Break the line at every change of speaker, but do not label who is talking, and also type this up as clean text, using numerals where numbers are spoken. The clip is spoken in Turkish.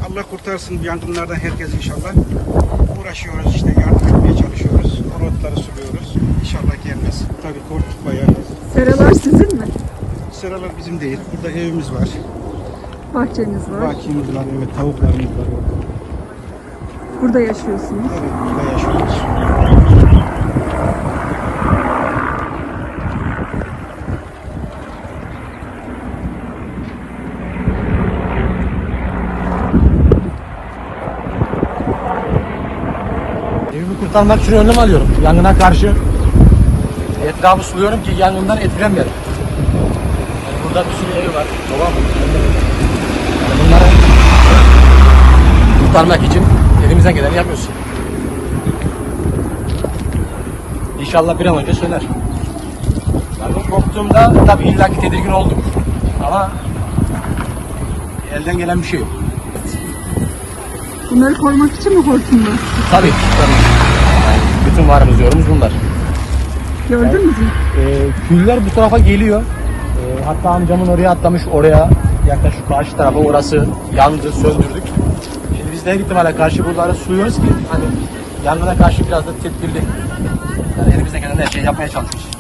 Allah kurtarsın yangınlardan herkes inşallah. Uğraşıyoruz işte, yardım etmeye çalışıyoruz. O rotları suluyoruz. İnşallah gelmez. Tabii korktuk bayağı.
Seralar sizin mi?
Sıralar bizim değil. Burada evimiz var.
Bahçeniz var.
Bahçemiz var, evet, tavuklarımız var orada.
Burada yaşıyorsunuz.
Evet, burada yaşıyoruz.
Evimi kurtarmak için önlem alıyorum. Yangına karşı etrafı suluyorum ki yangından etkilenmeyelim. Yani burada bir sürü evi var. Tamam mı? Yani bunları kurtarmak için elimizden geleni yapıyoruz. İnşallah bir an önce söner. Yangın korktuğumda tabii illaki tedirgin oldum. Ama elden gelen bir şey yok.
Bunları korumak için mi hortumlar?
Tabii. Yani bütün varımız yorumuz bunlar.
Gördünüz mü?
Küller bu tarafa geliyor. Hatta amcamın oraya atlamış, oraya yaklaşık karşı tarafa, orası yandı, söndürdük. Şimdi biz de her ihtimale karşı buraları suluyoruz ki hani yangına karşı biraz da tedbirli. Yani elimizden gelen her şeyi yapmaya çalışıyoruz.